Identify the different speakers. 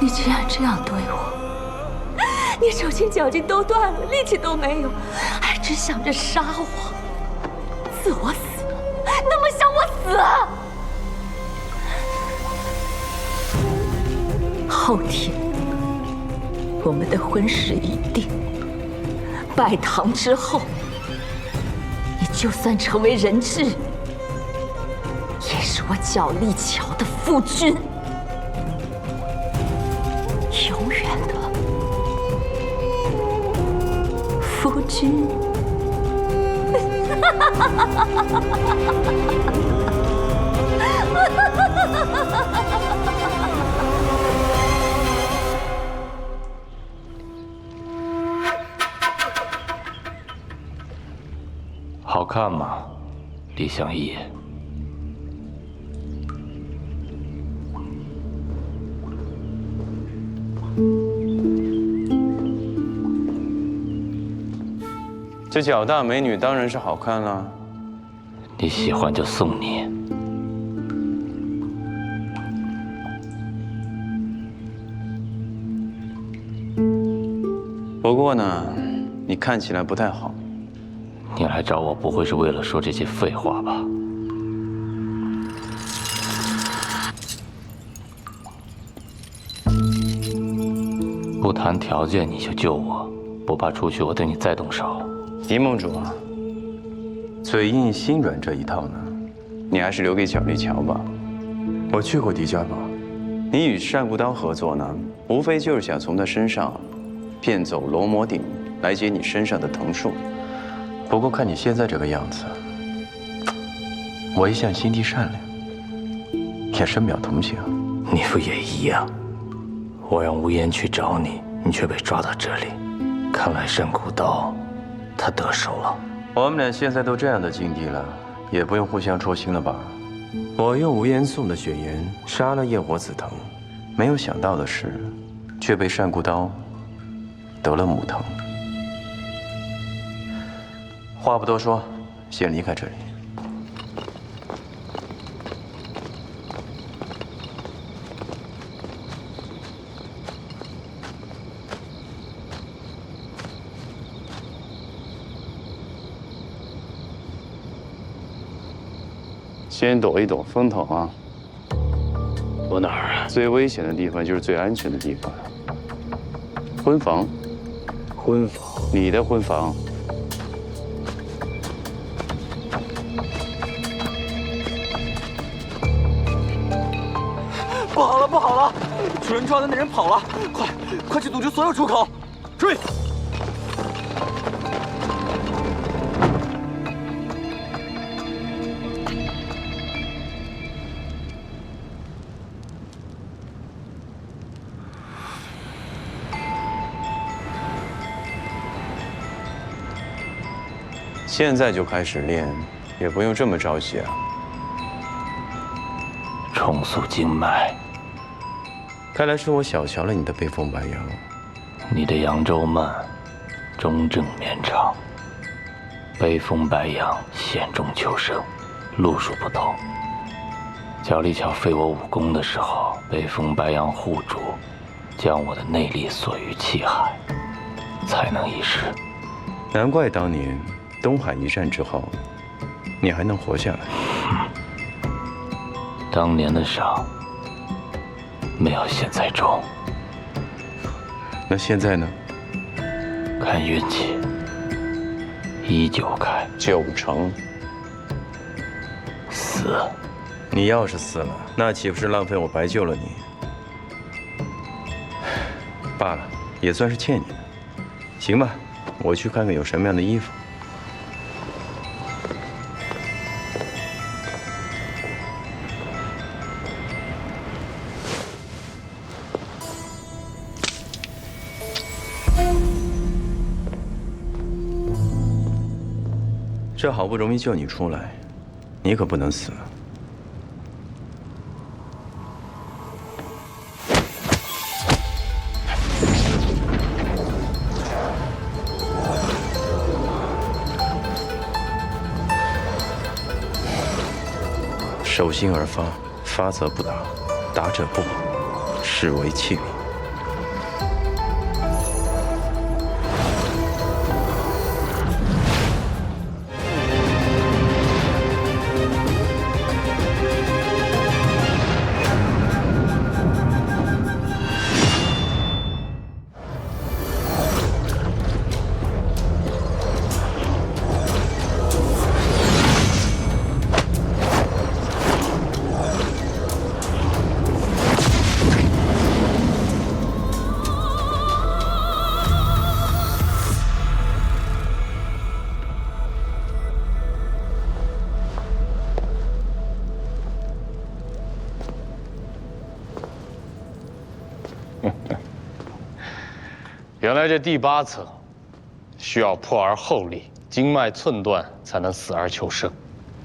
Speaker 1: 你居然这样对我！你手心脚筋都断了，力气都没有，还只想着杀我，自我死了，那么想我死啊！后天我们的婚事已定，拜堂之后，你就算成为人质，也是我角力桥的夫君。 永远的夫君。
Speaker 2: 好看吗，李相义？
Speaker 3: 这脚大美女当然是好看了。
Speaker 2: 你喜欢就送你。
Speaker 3: 不过呢，你看起来不太好。
Speaker 2: 你来找我不会是为了说这些废话吧？不谈条件你就救我。 不怕出去我对你再动手，
Speaker 3: 狄盟主啊，嘴硬心软这一套呢，你还是留给角力桥吧。我去过狄家堡，你与单孤刀合作呢，无非就是想从他身上骗走罗摩鼎，来解你身上的藤术。不过看你现在这个样子，我一向心地善良，也深表同情。
Speaker 2: 你不也一样？我让无言去找你，你却被抓到这里。 看来单孤刀，他得手了。
Speaker 3: 我们俩现在都这样的境地了，也不用互相戳心了吧？我用无言送的血缘杀了夜火紫藤，没有想到的是，却被单孤刀得了母藤。话不多说，先离开这里。 先躲一躲风头啊！
Speaker 2: 躲哪儿啊？
Speaker 3: 最危险的地方就是最安全的地方。婚房，
Speaker 2: 婚房，
Speaker 3: 你的婚房。
Speaker 4: 不好了，不好了！主人抓的那人跑了，快去堵住所有出口！追！
Speaker 3: 现在就开始练，也不用这么着急啊。
Speaker 2: 重塑经脉，
Speaker 3: 看来是我小瞧了你的北风白杨。
Speaker 2: 你的扬州慢，中正绵长；北风白杨，险中求生，路数不同。角力桥废我武功的时候，北风白杨护主，将我的内力锁于气海，才能一试。
Speaker 3: 难怪当年。 东海一战之后，你还能活下来？
Speaker 2: 当年的伤没有现在重。
Speaker 3: 那现在呢？
Speaker 2: 看运气，依旧开
Speaker 3: 9成。
Speaker 2: 死。
Speaker 3: 你要是死了，那岂不是浪费我白救了你？罢了，也算是欠你的。行吧，我去看看有什么样的衣服。 这好不容易救你出来，你可不能死。手心而发，发则不达，达者不好，是为器皿。
Speaker 5: 原来这第8层需要破而后立，经脉寸断，才能死而求生。